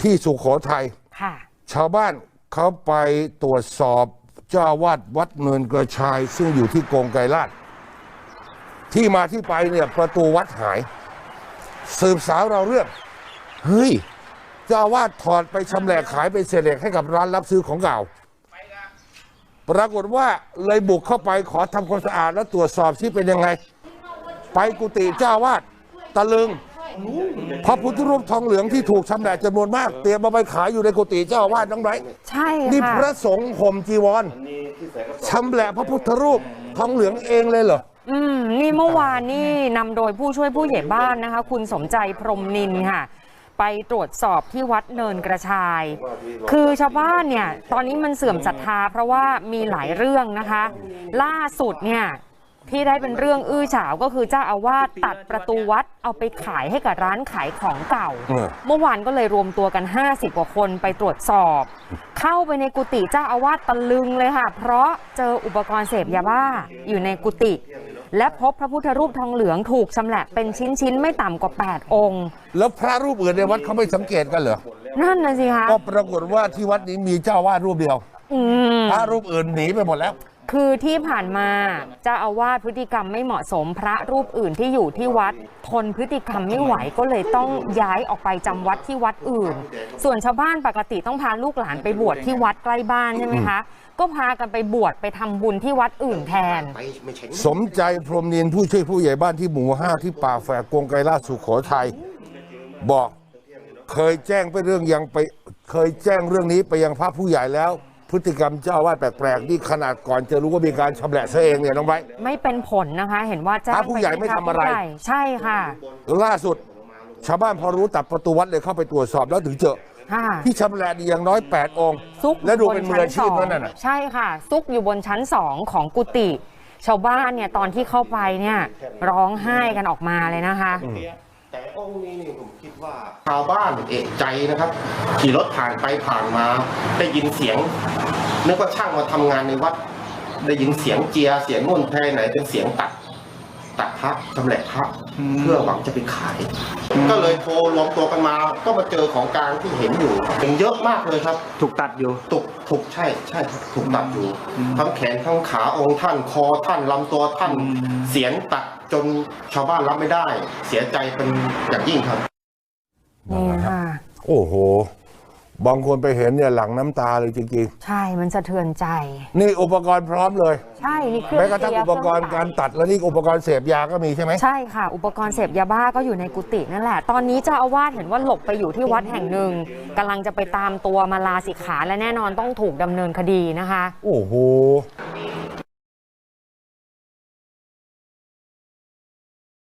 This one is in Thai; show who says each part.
Speaker 1: ที่สุโขทัยชาวบ้านเขาไปตรวจสอบเจ้าอาวาสวัดเนินกระชายซึ่งอยู่ที่กงไกรลาดที่มาที่ไปเนี่ยประตูวัดหายสืบสาวเราเรื่องเฮ้ยเจ้าอาวาสถอดไปชำแหละขายเป็นเศษเหล็กให้กับร้านรับซื้อของเก่าปรากฏว่าเลยบุกเข้าไปขอทำความสะอาดและตรวจสอบที่เป็นยังไงไปกุฏิเจ้าอาวาสตะลึงพระพุทธรูปทองเหลืองที่ถูกชำแหละจำนวนมากเตรียมมาไปขายอยู่ในกุฏิเจ้าอาวาสน้องไบรท์
Speaker 2: ใช่ค่ะ
Speaker 1: นี่พระสงฆ์ห่มจีวรชำแหละพระพุทธรูปทองเหลืองเองเลยเหรอ
Speaker 2: นี่เมื่อวานนี่นำโดยผู้ช่วยผู้ใหญ่บ้านนะคะคุณสมใจพรหมนินทร์ค่ะไปตรวจสอบที่วัดเนินกระชายคือชาวบ้านเนี่ยตอนนี้มันเสื่อมศรัทธาเพราะว่ามีหลายเรื่องนะคะล่าสุดเนี่ยที่ได้เป็นเรื่องอื้อฉาวก็คือเจ้าอาวาสตัดประตูวัดเอาไปขายให้กับร้านขายของเก่าเมื่อวานก็เลยรวมตัวกัน50กว่าคนไปตรวจสอบเข้าไปในกุฏิเจ้าอาวาสตะลึงเลยค่ะเพราะเจออุปกรณ์เสพยาบ้าอยู่ในกุฏิและพบพระพุทธรูปทองเหลืองถูกชำแหละเป็นชิ้นๆไม่ต่ำกว่า8องค์
Speaker 1: แล้วพระรูปอื่นในวัดเขาไม่สังเกตกันเหรอ
Speaker 2: นั่นน่ะสิคะ
Speaker 1: ก็ปรากฏว่าที่วัดนี้มีเจ้าอาวาสรูปเดียวพระรูปอื่นหนีไปหมดแล้ว
Speaker 2: คือที่ผ่านมาเจ้าอาวาสพฤติกรรมไม่เหมาะสมพระรูปอื่นที่อยู่ที่วัดทนพฤติกรรมไม่ไหวก็เลยต้องย้ายออกไปจำวัดที่วัดอื่นส่วนชาวบ้านปกติต้องพาลูกหลานไปบวชที่วัดใกล้บ้านใช่ไหมคะก็พากันไปบวชไปทำบุญที่วัดอื่นแทน
Speaker 1: สมใจพรหมนินทร์ผู้ช่วยผู้ใหญ่บ้านที่หมู่5ที่ป่าแฝกกงไกรลาดสุโขทัยบอกเคยแจ้งเรื่องนี้ไปยังพระผู้ใหญ่แล้วพฤติกรรมเจ้าอาวาสแปลกๆนี่ขนาดก่อนจะรู้ว่ามีการชำแหละซะเองเนี่ยน้องไบร์ท
Speaker 2: ไม่เป็นผลนะคะเห็นว่าแจ้ง
Speaker 1: พระผู้ใหญ่ไม่ทำอะไร
Speaker 2: ใช่ค่ะ
Speaker 1: ล่าสุดชาวบ้านพอรู้ตัดประตูวัดเลยเข้าไปตรวจสอบแล้วถึงเจอที่ชำแหละอย่างน้อย8องค์และดูเป็นมืออาชีพนั่นน่ะ
Speaker 2: ใช่ค่ะซุกอยู่บนชั้น2ของกุฏิชาวบ้านเนี่ยตอนที่เข้าไปเนี่ยร้องไห้กันออกมาเลยนะคะ
Speaker 3: แต่องค์นี้นี่ผมคิดว่าชาวบ้านเอกใจนะครับขี่รถผ่านไปผ่านมาได้ยินเสียงนึกว่าช่างมาทำงานในวัดได้ยินเสียงเจียเสียงนุ่นแพไหนเป็นเสียงตัดพระชำแหละพระเพื่อหวังจะไปขายก็เลยโทรรวมตัวกันมาก็มาเจอของกลางที่เห็นอยู่เป็นเยอะมากเลยครับ
Speaker 4: ถูกตัดอยู่
Speaker 3: ถูกใช่ครับถูกตัดอยู่ทั้งแขนทั้งขาองค์ท่านคอท่านลำตัวท่านเสียงตัดจนชาวบ้านรับไม่ได้เสียใจเป็นอย่างยิ่งครับ
Speaker 2: นี่ค่ะ
Speaker 1: โอ้โหบางคนไปเห็นเนี่ยหลั่งน้ำตาเลยจริง
Speaker 2: ๆใช่มันสะเทือนใจ
Speaker 1: นี่อุปกรณ์พร้อมเลย
Speaker 2: ใช่นี่เครื่อง
Speaker 1: แม้กระทั่งอุปกรณ์การตัดแล้วนี่อุปกรณ์เสพยาก็มีใช่ไหม
Speaker 2: ใช่ค่ะอุปกรณ์เสพยาบ้าก็อยู่ในกุฏินั่นแหละตอนนี้เจ้าอาวาสเห็นว่าหลบไปอยู่ที่วัดแห่งหนึ่งกำลังจะไปตามตัวมาลาสิกขาและแน่นอนต้องถูกดำเนินคดีนะคะ
Speaker 1: โอ้โห